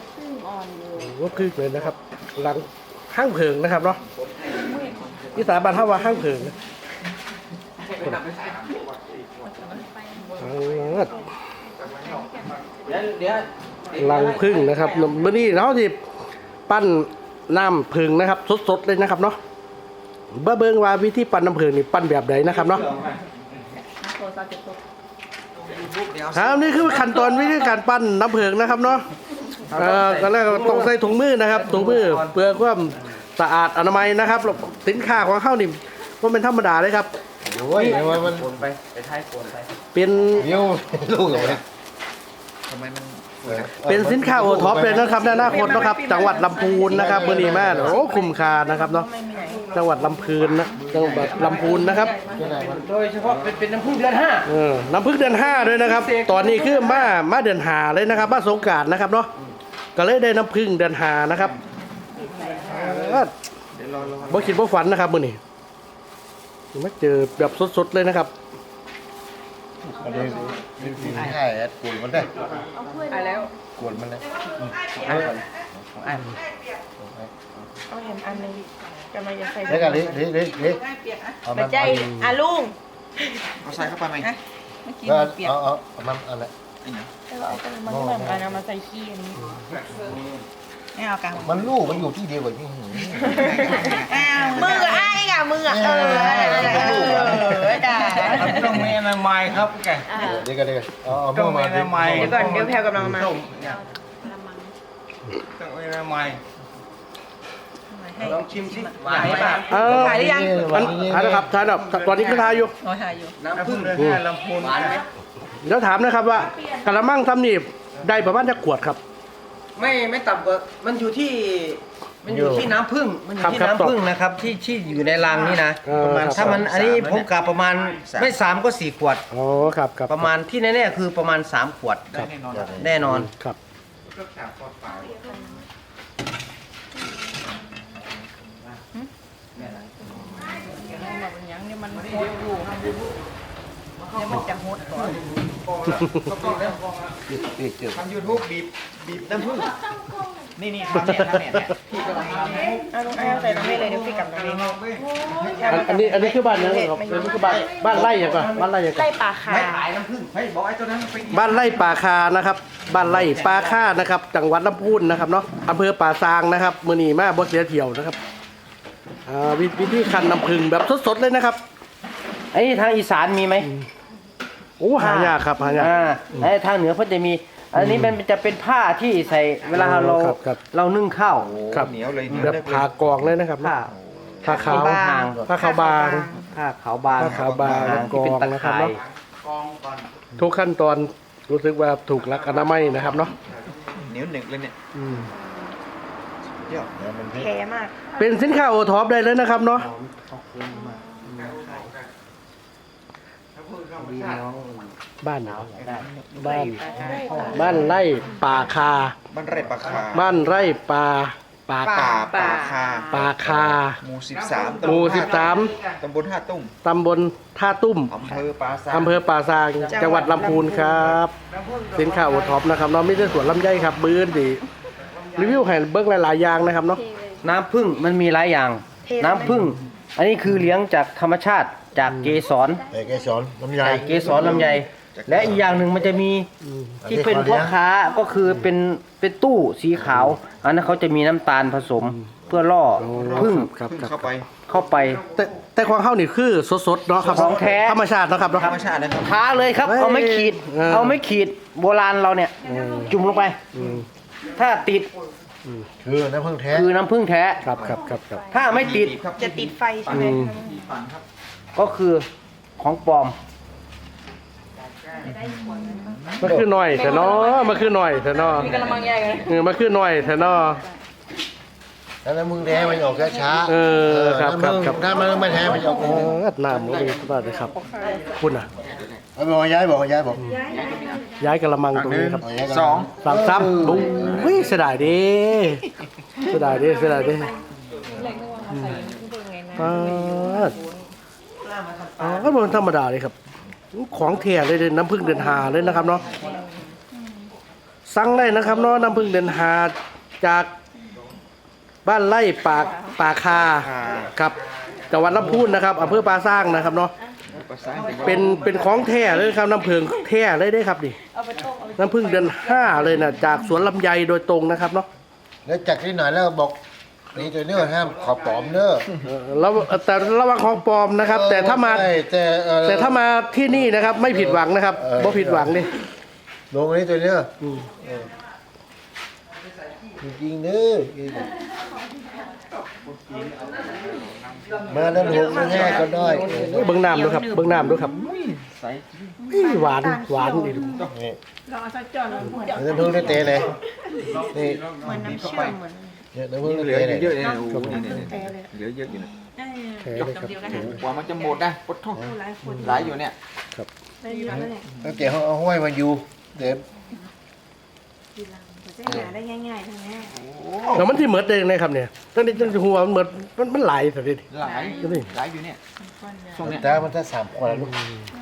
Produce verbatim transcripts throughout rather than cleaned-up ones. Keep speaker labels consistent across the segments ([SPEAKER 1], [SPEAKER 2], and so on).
[SPEAKER 1] พึ่งอ่อนเลย
[SPEAKER 2] ก็คือเลยนะครับหลังห้างเพิงนะครับเนาะที่สาบานท่าว่าห้างเพิงนะหลังพึ่งนะครับเมื่อนี้เราที่ปั้นน้ำพึ่งนะครับสดๆเลยนะครับเนาะเบ้อเบิ้งว่าวิธีปั้นน้ำพึ่งนี่ปั้นแบบไหนนะครับเนาะครับนี่คือขั้นตอนวิธีการปั้นน้ำพึ่งนะครับเนาะเอ่อก็แล้วต้องใส่ถุงมือนะครับถุงมือเพื่อความสะอาดอนามัยนะครับสินค้าของเขานี่ว่าเป็นธรรมดาเลยครับ
[SPEAKER 3] โอ้ยมันโอนไปไปท้ายโอนไป
[SPEAKER 2] เป็น
[SPEAKER 3] เดี๋ยวลูกเหรอเนี่ยทำไมมัน
[SPEAKER 2] เป็นสินค้าโอท็อปเลยนะครับในอนาคตนะครับจังหวัดลำพูนนะครับเมื่อนี้แม่โอ้คุ้มค่านะครับเนาะจังหวัดลำพูนนะจังหวัดลำพูนนะครับ
[SPEAKER 3] โดยเฉพาะเป็นเป็นน้ำผึ้งเดือนห้า
[SPEAKER 2] เออน้ำผึ้งเดือนห้าด้วยนะครับตอนนี้คือมามาเดือนหาเลยนะครับมาสงกรานต์นะครับเนาะก็เลยได้น้ำผึ้งเดือนหานะครับบ่คิดบ่ฝันนะครับมื่อนี้มาเจอแบบสดๆเลยนะครับ
[SPEAKER 3] อันนี้ใช่กวนมันได้
[SPEAKER 1] ไปแล้ว
[SPEAKER 3] กวนมันเลย
[SPEAKER 1] เอาเห็นอันนึงกำลังจะใส่
[SPEAKER 3] เล็กอะเล็กเล็กเล็กเล็ก
[SPEAKER 1] ไม่ใจอ่ะลุง
[SPEAKER 3] เอาใส่เข้าไปไหม
[SPEAKER 1] เมื่อกี้
[SPEAKER 3] ก็
[SPEAKER 1] เปียก
[SPEAKER 3] เอาเอาเอามันอะไร
[SPEAKER 1] เราเอามันเหมือนกันเอามาใส่ขี้อันนี้ไม่เอากัน
[SPEAKER 3] มันลูกมันอยู่ที่เดียวกับที่หื
[SPEAKER 1] มือกับไอ้กับมือเออเออจ้า
[SPEAKER 4] ต้องมีอะไรใหม่ครับแก
[SPEAKER 3] เดี๋ยวกันเดี๋ยวเอาเอา
[SPEAKER 4] ต้องมีอะไรใหม่
[SPEAKER 1] เดี๋ยวก่อนเดี๋ยวแพลวกำลังมา
[SPEAKER 4] ต้องมีอะไรใหม่ลองชิมสิหวานไหมป่ะ
[SPEAKER 2] เออ
[SPEAKER 1] ถ่ายหรือยัง
[SPEAKER 2] อันอันนะครับทานแบบตอนนี้ก็ทายอยู่
[SPEAKER 1] อ๋อถ่ายอยู่
[SPEAKER 4] น้ำผึ้งเลยฮะลำพูนหวานไหม
[SPEAKER 2] เดี๋ยวถามนะครับว่ากะละมังทำนี่ได้ประมาณจะขวดครับ
[SPEAKER 4] ไม่ไม่ต่ำกว่ามันอยู่ที่มันอยู่ที่น้ำผึ้งมันอยู่ที่น้ำผึ้งนะครับที่ที่อยู่ในรังนี่นะถ้ามันอันนี้ผมกะประมาณไม่สามก็สี่ขวด
[SPEAKER 2] อ๋อครับครับ
[SPEAKER 4] ประมาณที่แน่ๆคือประมาณสามขวดแน่นอน
[SPEAKER 2] ครับ
[SPEAKER 1] ยังนี่มันโคตรอยู่เนี่ยมันจะโคตรก่อน
[SPEAKER 4] ทำยูทูบบีบบีบน้ำผึ้งนี่นี่ทำเนี่ยทำเนี่ยพี่กำลังทำให้
[SPEAKER 1] เอาลงเอาใส่ตรงนี้เลยเดี๋ยวพี่กลับตรงนี้
[SPEAKER 2] อันนี้อันนี้คือบ้านยังครับอันนี้คือบ้านบ้านไร่ยังก่อนบ้านไร่ยังก่อน
[SPEAKER 1] ไร่ป่าคา
[SPEAKER 4] ไม่ขายน้ำผึ้งให้บอกไอ้ตัวนั้นไป
[SPEAKER 2] บ้านไร่ป่าคานะครับบ้านไร่ป่าคานะครับจังหวัดลำพูนนะครับเนาะอำเภอป่าซางนะครับมือนีมาบ่เสียเที่ยวนะครับอ่าวิธีคั้นน้ำผึ้งแบบสดๆเลยนะครับ
[SPEAKER 4] ไอ้ทางอีสานมีไหม
[SPEAKER 2] โอ้หายากครับหายาก
[SPEAKER 4] ไอ้ทางเหนือเพิ่นจะมีอันนี้มันจะเป็นผ้าที่ใส่เวลาเราเรานึ่งข้าว
[SPEAKER 3] เหนียวเลย
[SPEAKER 2] แบบผ่ากองเลยนะครับ
[SPEAKER 4] ผ้า
[SPEAKER 2] ผ้าขาวผ้าขาวบาง
[SPEAKER 4] ผ้าขาวบาง
[SPEAKER 2] ผ้าขาวบางกองนะครับเนาะทุกขั้นตอนรู้สึกว่าถูกหลักอนามัยนะครับเนาะ
[SPEAKER 3] เหนียวหนึ่งเลยเนี่ย
[SPEAKER 1] แข็มาก
[SPEAKER 2] เป็นสินค้าโอท็อปได้เลยนะครับเนาะบ้านบ้านบ้านไร่ป่าคา
[SPEAKER 3] บ้านไร่ป่าคา
[SPEAKER 2] บ้านไร่ป่าป่า
[SPEAKER 3] ป่าป่าคา
[SPEAKER 2] ป่าคา
[SPEAKER 3] หมู่สิบสาม
[SPEAKER 2] หมู่สิบสาม
[SPEAKER 3] ตำบลท่าตุ้ม
[SPEAKER 2] ตำบลท่าตุ้ม
[SPEAKER 3] อำเภอป่าซาง
[SPEAKER 2] อำเภอป่าซางจังหวัดลำพูนครับสินค้าโอท็อปนะครับเนาะไม่ใช่สวนลำไยครับบื้นดีรีวิวให้เบิ้งหลายๆอย่างนะครับเนาะ
[SPEAKER 4] น้ำผึ้งมันมีหลายอย่างน้ำผึ้งอันนี้คือเลี้ยงจากธรรมชาติจากเกสร
[SPEAKER 3] เกสรลำไย
[SPEAKER 4] เกสรลำไยและอีกอย่างหนึ่งมันจะมีที่เป็นพ่อค้าก็คือเป็นเป็นตู้สีขาวอันนั้นเขาจะมีน้ำตาลผสมเพื่อล่อผึ้ง
[SPEAKER 3] เข้าไป
[SPEAKER 4] เข้าไป
[SPEAKER 2] แต่แต่ความเข้านี่คือสดๆเนาะครับ
[SPEAKER 4] ของแท้
[SPEAKER 2] ธรรมชาติเนาะครับ
[SPEAKER 3] ธรรมชาตินะครับ
[SPEAKER 4] ท้าเลยครับเอาไม่ขีดเอาไม่ขีดโบราณเราเนี่ยจุ่มลงไปถ้าติด
[SPEAKER 3] คือน้ำผึ้งแท้
[SPEAKER 4] คือน้ำผึ้งแท้
[SPEAKER 2] ครับครับครับ
[SPEAKER 4] ถ้าไม่ติด
[SPEAKER 1] จะติดไฟใช่ไหม
[SPEAKER 4] ก็คือของปลอม
[SPEAKER 2] มันคือหน่อยแต่เนาะมันคือหน่อยแต่เนาะ
[SPEAKER 1] มีกระมังใหญ่เลย
[SPEAKER 2] เออมันคือหน่อยแต่เนาะ
[SPEAKER 3] แล้วน้ำผึ้งแท้มันออกช้า
[SPEAKER 2] เออครับครับครับ
[SPEAKER 3] ถ้ามันไม่แท้มันออก
[SPEAKER 2] เออน้ำมันมีสบายเลยครับคุณอ่ะ
[SPEAKER 3] เอาบอกย้ายบอกย้ายบอก
[SPEAKER 2] ย้ายกระมังตรงนี้ครับ
[SPEAKER 3] สอง
[SPEAKER 2] สามซับบุ้งวิ่งเสียดายดิเสียดายดิเสียดายดิอ่าอ่าก็เป็นธรรมดาเลยครับของแท้เลยน้ำผึ้งเดือนหาเลยนะครับเนาะสั่งได้นะครับเนาะน้ำผึ้งเดือนหาจากบ้านไร่ปากป่าคาครับจังหวัดลำพูนนะครับอำเภอปราสร้างนะครับเนาะเป็นเป็นของแท้เลยครับน้ำผึ้งแท้เลยได้ครับนี่น้ำผึ้งเดือนห้าเลยนะจากสวนลำไยโดยตรงนะครับเนาะ
[SPEAKER 3] แล้วจากที่ไหนแล้วบอกนี่ตัวนี้ห้ามขอปลอมเด้อ
[SPEAKER 2] เออแล้วแต่ระวังของปลอมนะครับ แต่ถ้ามา
[SPEAKER 3] ใช่แต่เอ่อ
[SPEAKER 2] แต่ถ้ามาที่นี่นะครับ ไม่ผิดหวังนะครับ
[SPEAKER 3] เออ
[SPEAKER 2] บ่ผิดหวังดิ
[SPEAKER 3] ลงอันนี้ตัวเนี้ย
[SPEAKER 2] อืม
[SPEAKER 3] จริงๆเด้อมาด้านหกมาแห้ก็ได้
[SPEAKER 2] เบิ้งน้ำด้วยครับเบิ้งน้ำด้วยครับอี้หวานหวานอีก
[SPEAKER 3] นี่
[SPEAKER 1] ลองเอาสักจอนเหมือน
[SPEAKER 3] น้ำพึ่งได้เตะเลยนี่
[SPEAKER 1] น้ำเชื่อมเหมือน
[SPEAKER 3] เนี่ยน้ำพึ่งได้
[SPEAKER 5] เหลือ
[SPEAKER 3] เตะเลย
[SPEAKER 5] เยอะเลยนะโอ้โห
[SPEAKER 1] แต่เลย
[SPEAKER 5] เหลือเยอะอยู่นะ
[SPEAKER 2] แท้เลยครับ
[SPEAKER 5] กว่ามันจะหมดนะปดท้อง
[SPEAKER 1] หลายคน
[SPEAKER 5] หลายอยู่เนี่ย
[SPEAKER 1] ได้เยอะเลย
[SPEAKER 3] ตั้งแต่เขาเอาห้อยมาอยู่เดี๋ยว
[SPEAKER 1] ทีหลังจะหาได้ง่ายๆทั้งนี้
[SPEAKER 2] แล้วมันที่เหมือดเองนะครับเนี่ยตั้งแต่ตั้งแต่หัวมันเหมือดมันมันหลายสักที
[SPEAKER 5] หลาย
[SPEAKER 2] นี่
[SPEAKER 5] หลายอยู่เนี่ยช่วงเนี้ย
[SPEAKER 3] แต่มันถ้าสามคนแล้วลูก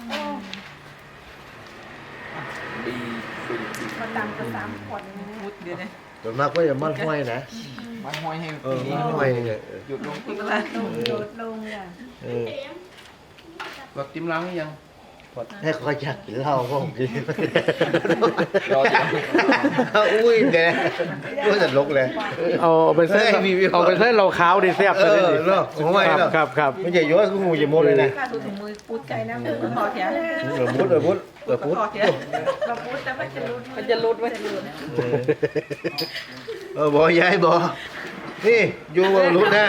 [SPEAKER 5] ดีดีดี
[SPEAKER 1] มาตามกันสามคนนะ
[SPEAKER 5] มุดเดี๋ยวนะ
[SPEAKER 3] ส่วนมากก็จะมั่นห้อยนะ
[SPEAKER 5] มันห้อยให้
[SPEAKER 3] เออ
[SPEAKER 5] ปีนี้
[SPEAKER 3] มั่นห้อยเนี่ย
[SPEAKER 5] หยุดลง
[SPEAKER 1] ลงโดดลงอ่ะ
[SPEAKER 3] เออ
[SPEAKER 4] แบบติมล้างหรือยัง
[SPEAKER 3] ให้เขาอยากกินเหล้าก็ผมกิน
[SPEAKER 5] รออยู่
[SPEAKER 3] อุ้ยเดี๋ยวก็จะลกเลย
[SPEAKER 2] เอาไปใส่
[SPEAKER 3] เฮ้ยมีมี
[SPEAKER 2] เอาไปใส่เราขาวดิแซ่บ
[SPEAKER 3] เอ
[SPEAKER 2] เลย
[SPEAKER 3] อ
[SPEAKER 2] ดิ
[SPEAKER 3] เนาะผมว่า
[SPEAKER 2] ครับ
[SPEAKER 3] เนาะ
[SPEAKER 2] ครับครับ
[SPEAKER 3] ไม่ใช่ย้อยกูงูอย่าโมดเลยนะ
[SPEAKER 1] ข้าดูถุงมือปูดไก่นะมือก็พอแถว
[SPEAKER 3] เออพุดเออพุดเออพุด
[SPEAKER 1] พอแถวเราปูดแต่มันจะรุดมันจะรุดมันจะรุด
[SPEAKER 3] เออบอยายบอนี่อยู่รุดนะ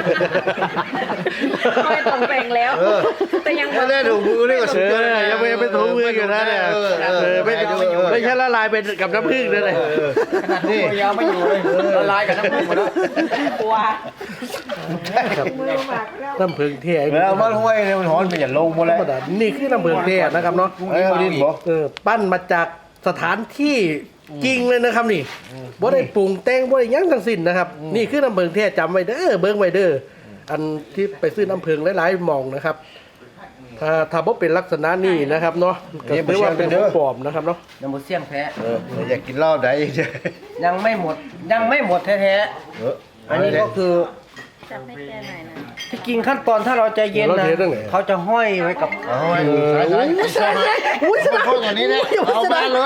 [SPEAKER 1] ไม่ต้องแปลงแล้ว
[SPEAKER 3] เออ
[SPEAKER 1] แต่ยัง
[SPEAKER 3] ถ้าได้ถุงมือนี่ก็
[SPEAKER 2] เอ
[SPEAKER 3] สุดยอด
[SPEAKER 2] อยังไม่ยังไม่ถูมืออยู่นะเนี่ย
[SPEAKER 3] เออเอ
[SPEAKER 2] เอ
[SPEAKER 3] อ
[SPEAKER 2] อไม่
[SPEAKER 3] ไม่ดูเออ
[SPEAKER 2] ไม่ใช่ละลายไปกับน้ำผึ้งเลย
[SPEAKER 3] เออ
[SPEAKER 5] ขนาดนี้ยาวไม่อยู่เลยละลายกับน้ำมันหมดแล้ว
[SPEAKER 1] กลัว
[SPEAKER 2] ครับ
[SPEAKER 1] มือหมักแล้ว
[SPEAKER 2] น้ำผึ้งแท้
[SPEAKER 3] เวลามันห้วยเนี่ยมันหอนเป็นอย่างลงหมด
[SPEAKER 2] ธร
[SPEAKER 3] แล้ว
[SPEAKER 2] รมดานี่คือน้ำผึ้งแท้นะครับเนาะ
[SPEAKER 3] เออดินบอ
[SPEAKER 2] เออปั้นมาจากสถานที่จริงเลยนะครับนี่บ่ได้ปรุงแต่งบ่ได้หยังทั้งสิ้นนะครับ นี่คือน้ำผึ้งแท้จำไว้เด้อเบิ่งไว้เด้ออันที่ไปซื้อน้ำผึ้งหลายๆหม่องนะครับ ถ้าถ้าบ่เป็นลักษณะนี้นะครับเนาะก็ถือว่าเป็นของปลอมนะครับเนาะ
[SPEAKER 4] ยังหมดเสี่ยงแท้
[SPEAKER 3] เอออยากกินเหล้าได้
[SPEAKER 4] ยังไม่หมดยังไม่หมดแท้
[SPEAKER 3] เออ
[SPEAKER 4] ๆอันนี้ก็คือ
[SPEAKER 1] จับให้แกหน่อยนะ
[SPEAKER 4] ที่จริงขั้นตอนถ้าเราใจเย็นนะเขาจะห้อยไว้กับ
[SPEAKER 3] เอาไว้สายสายสายสายอุ้ยมาโทษอย่างนี้นะเอามาเลย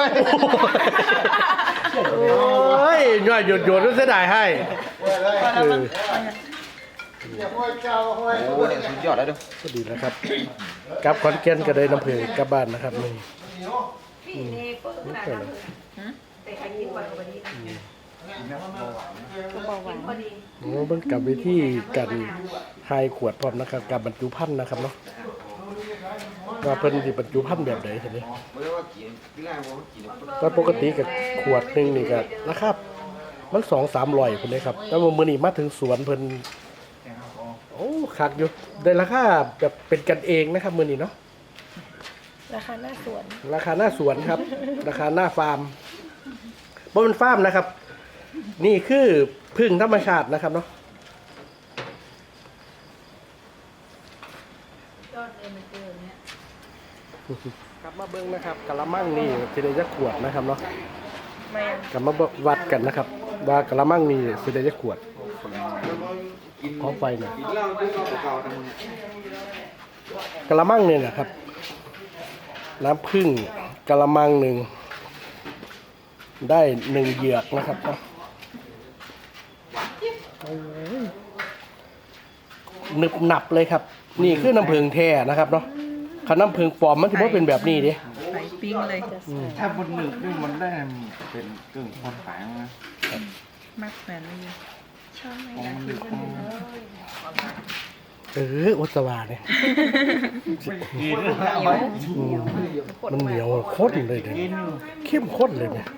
[SPEAKER 2] โอ้ยย่อยหยดหยดๆแล้วเสียดายให้เออ
[SPEAKER 5] โอ้เนี่ยสุดยอดแล้วดู
[SPEAKER 2] ก็ดีนะครับกลับขอนแก่นก็ได้น้ำผึ้งกลับบ้านนะครับนี่
[SPEAKER 1] พี่นี่เปิดขนาดนั้นเลยแต่ใครกินวันวันนี้ก็บอกหวานพอดี
[SPEAKER 2] โอ้เบิ่งกลับไปที่กันทายขวดพร้อมนะครับกับบรรจุภัณฑ์นะครับเนาะว่าเพิ่นสิบรรจุภัณฑ์แบบไหนทีนี้ก็ปกติกับขวดหนึงนี่ก็ราคามันสองสามร้อยพุ่นเลยครับแล้วมื้อนี้มาถึงสวนเพิ่นโอ้คักอยู่ได้ราคาแบบเป็นกันเองนะครับมื้อนี้เนาะ
[SPEAKER 1] ราคาหน้าสวน
[SPEAKER 2] ราคาหน้าสวนครับ ราคาหน้าฟาร์มบ่เป็นฟาร์มนะครับ นี่คือพึ่งธรรมชาตินะครับเนาะ
[SPEAKER 1] ยอดเลยมันเกินเนี่ย
[SPEAKER 2] กลับมาเบิ้งนะครับกะละมังนี่สิได้จะขวดนะครับเนาะ
[SPEAKER 1] ไม่
[SPEAKER 2] กลับมาวัดกันนะครับ ว่ากะละมังนี่สิได้จะขวดขอไฟหน่อย
[SPEAKER 5] กินเหล้าด้วยเหล้าเก่าๆนะมึง
[SPEAKER 2] กะละมังเนี่ยนะครับ น้ำผึ้งกะละมังหนึ่งได้หนึ่งเหยือกนะครับเนาะหนึบหนับเลยครับ นี่คือน้ำผึ้งแท้นะครับเนาะถ้าน้ำผึ้งปลอมมันถือว่าเป็นแบบนี้ดิ
[SPEAKER 1] ใส่ปิ้งเลย
[SPEAKER 5] ถ้าบนหนึกด้วยมันได้เป็นกึ่งคนขายนะ
[SPEAKER 1] มากแฟนไม่มีชอบไหม
[SPEAKER 5] ของมันดึกของมัน
[SPEAKER 2] เอออุตสวาเนี่ยมันเหนียวข้นเลยเนี่ยเข้มข้นเลยเนี่ย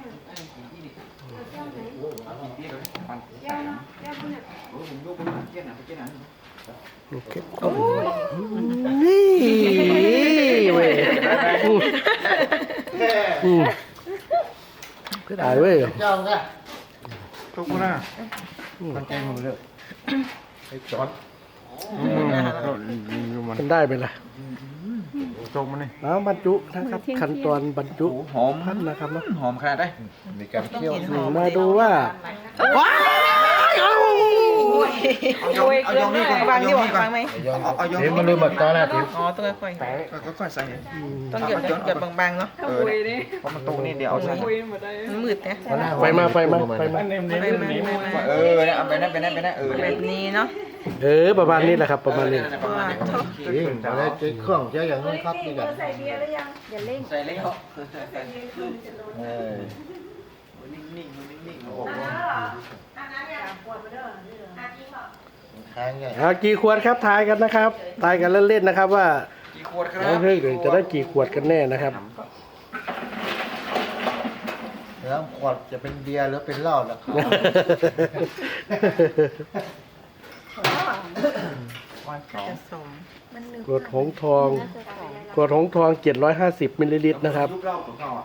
[SPEAKER 2] เข้มข้นนี่เว้ยอืมก็ได้เว้ย
[SPEAKER 3] เจ้าค่ะ
[SPEAKER 5] ทุกคนนะ
[SPEAKER 3] มันใจมือเลยไอ้จอด
[SPEAKER 2] มันได้ไปละ
[SPEAKER 5] จงมันนี่
[SPEAKER 2] แล้วบรรจุนะครับขั้นตอนบรรจุ
[SPEAKER 5] หอม
[SPEAKER 2] พันธุ์นะครับเนาะ
[SPEAKER 5] หอมขนาดได้มีการเคี่ยว
[SPEAKER 2] มาดูว่าว้ายเอา
[SPEAKER 1] โอ้ยเอายองนี่ก่อนฟังที่บอกฟังไหม
[SPEAKER 5] เอายองมันลืมหมดตอนแรกที
[SPEAKER 1] อ๋อต้องค่อย
[SPEAKER 5] ก็ค่อยใส่
[SPEAKER 1] ๆต้องเก็บเก็บบางๆเนาะ
[SPEAKER 5] เออเพราะมันตรงนี่เดี๋ยวเอาใส่
[SPEAKER 1] มันมืดเนี่ย
[SPEAKER 2] ไฟมาไฟมาไฟมา
[SPEAKER 1] ไปมาไปมา
[SPEAKER 5] เออเนี่ยเอาไปนั่นไปนั่นไปนั่นเออ
[SPEAKER 1] แบบนี้เนาะ
[SPEAKER 2] เออประมาณนี้แหละครับประมาณนี้
[SPEAKER 1] ว่าเท่า
[SPEAKER 3] จริงเอาได้เครื่องเยอะอย่างนั้นครับนี่กัน
[SPEAKER 4] ใส่แล้ว
[SPEAKER 3] เออ
[SPEAKER 5] นิ่งๆนิ่งๆ
[SPEAKER 3] ค้างไง
[SPEAKER 2] เอากี่ขวดครับทายกันนะครับทายกันเล่นๆนะครับว่า
[SPEAKER 5] กี่ขวดครั
[SPEAKER 2] น้อง
[SPEAKER 5] บ
[SPEAKER 2] เฮ้ยจะได้กี่ขวดกันแน่นะครับ
[SPEAKER 3] แล้วขวดจะเป็นเบียร์หรือเป็นเหล้าล่ะครับ
[SPEAKER 1] จะสม
[SPEAKER 2] ขวดหงส์ทองขวดหงส์ทองเจ็ดร้อยห้าสิบมิลลิลิตรนะครับ
[SPEAKER 5] ยุบเล่าของเขาอ่ะ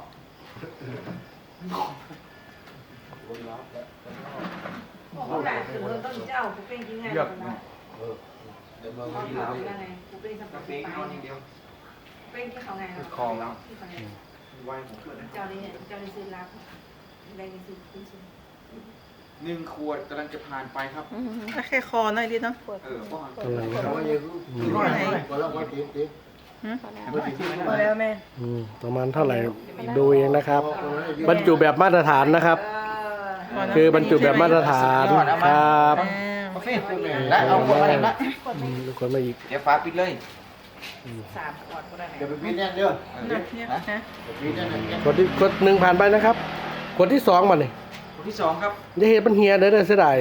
[SPEAKER 5] เลือกคลองแล้ว หนึ่งขวดกำลังจะผ่านไปครับ
[SPEAKER 1] แค่คอหน่อยดิเนาะ
[SPEAKER 5] เออป้อน
[SPEAKER 2] กำลังนะครับ
[SPEAKER 3] ร้อยกว่าแล้วว่าทีที
[SPEAKER 1] พอแล้วแม่
[SPEAKER 2] อืมประมาณเท่าไหร่ดูเองนะครับ บรรจุแบบมาตรฐานนะครับ คือบรรจุแบบมาตรฐานครับ
[SPEAKER 5] กาแฟและเอาขวดมาเห็นละ
[SPEAKER 2] อืมทุกคนมาอีก
[SPEAKER 5] เดี๋ยวฟ้าปิดเลย
[SPEAKER 3] เดี๋ยวไปพิจารณาเรื่อง
[SPEAKER 1] เนี่ยนะ
[SPEAKER 3] พิจารณาเนี่ย
[SPEAKER 2] กดที่กดหนึ่งผ่านไปนะครับกดที่สองมาเนี่ย
[SPEAKER 5] ขวดที่สองครับ
[SPEAKER 2] จะเห็นมันเฮียเด้อเด้อเสียดาย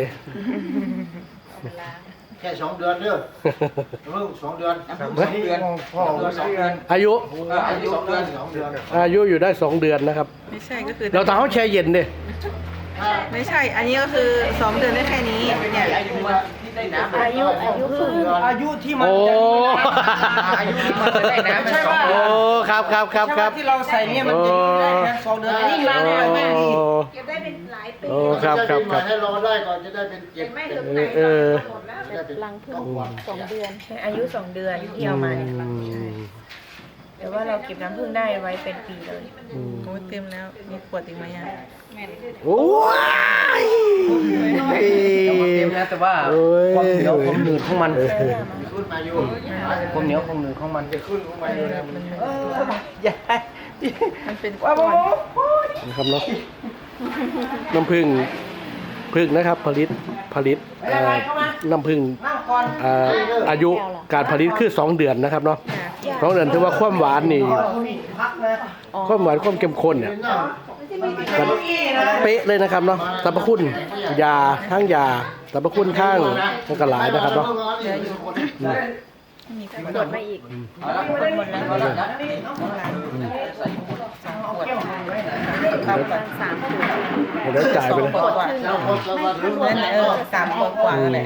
[SPEAKER 3] แค่สองเดือนเด้อเริ่มสองเดือน
[SPEAKER 5] น้ำผึ้งสองเดือนสองเดือนสองเดือน
[SPEAKER 2] อายุ
[SPEAKER 5] เอออายุสองเดือน
[SPEAKER 3] สองเดือน
[SPEAKER 2] อายุอยู่ได้สองเดือนนะครับ
[SPEAKER 1] ไม่ใช่ก็คือ
[SPEAKER 2] เราต้องเขาแช่เย็นดิ
[SPEAKER 1] ไม่ใช่ อันนี้ก็คือสองเดือนได้แค่นี้เนี่ย
[SPEAKER 5] อายุที่ได้น้ำ
[SPEAKER 3] อายุอายุครึ่งเดือน
[SPEAKER 4] อายุที่มัน
[SPEAKER 2] โอ้
[SPEAKER 5] อายุที่มันจะได้น้ำมันสอง
[SPEAKER 2] โอ้ครับครับครับครับ
[SPEAKER 4] ที่เราใส่เนี่ยมันจะอยู่ได้แค่สองเดือนอันนี้มาเนี่ยแม่ดี
[SPEAKER 6] เก็บได้เป็นหลายปี
[SPEAKER 2] โอ้ครับครับครับ
[SPEAKER 3] ให้รอได้ก่อนจะได้เป็นเจ็ด
[SPEAKER 6] ไม่
[SPEAKER 3] เป็
[SPEAKER 6] ถึ
[SPEAKER 3] น
[SPEAKER 6] งไหน
[SPEAKER 2] เออ
[SPEAKER 3] ได้เป็น
[SPEAKER 6] ลังพึ่งสองเดือน
[SPEAKER 1] อายุสองเดือนที่เอามาเนี่ย
[SPEAKER 2] อืม
[SPEAKER 1] แต่ว่าเราเก็บน้ำผึ้งได้ไว้เป็นปีเลย
[SPEAKER 2] อืม
[SPEAKER 1] โอ้เต็มแล้ว มีขวดอีกไหมอ่ะ
[SPEAKER 2] โอ้ย
[SPEAKER 4] เต็มแล้วแต่ว่า
[SPEAKER 2] โอ้ย
[SPEAKER 4] ความเหนียวความหนืดของมัน
[SPEAKER 3] ขึ้นมาอยู่
[SPEAKER 4] ความเหนียวความหนืดของมัน
[SPEAKER 3] จะขึ้นขึ้นมาอยู่นะมัน
[SPEAKER 4] อย่า
[SPEAKER 1] มันเป็น
[SPEAKER 4] ว้าว
[SPEAKER 1] ก้อน
[SPEAKER 2] นะครับเนาะน้ำผึ้งผึ้งนะครับ ผลิตผลิตเอ่อน้ำผึ้ง
[SPEAKER 4] นั่งก่อน
[SPEAKER 2] เอ่ออายุการผลิตคือสองเดือนนะครับเนาะสองเดือนถือว่าความหวานนี่
[SPEAKER 4] พักนะ
[SPEAKER 2] ความหวานความเข้มข้นเนี่ยมันเป๊ะเลยนะครับเนาะสรรพคุณยาทั้งยาสรรพคุณทั้งมันก็หลายนะครับเนาะ
[SPEAKER 1] มีขวดมาอีก
[SPEAKER 5] เอาละ
[SPEAKER 1] หมดแล้ว
[SPEAKER 5] เอาละ
[SPEAKER 1] ประมาณสามขวด
[SPEAKER 2] เดี๋ยวจ่ายไปเลย
[SPEAKER 1] ขวดกว่านั่นแหละเออสามขวดกว่านั่นแหละ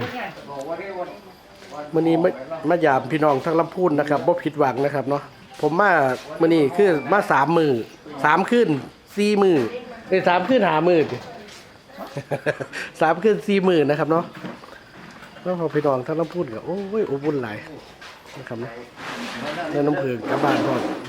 [SPEAKER 2] มื่อนี้มามายามพี่น้องทั้งลำพูนนะครับบ่ผิดหวังนะครับเนาะผมมามื่อนี้คือมาสามมือสามขึ้นสี่มือไอ้ยสามขึ้นหามือ สามขึ้นสี่มือนะครับเนาะแล้วพอพี่น้องทั้งลำพูนก็โอ้ยอบอุ่นหลายนะครับเนาะแล้วน้ำผึ้งกลับบ้านก่อน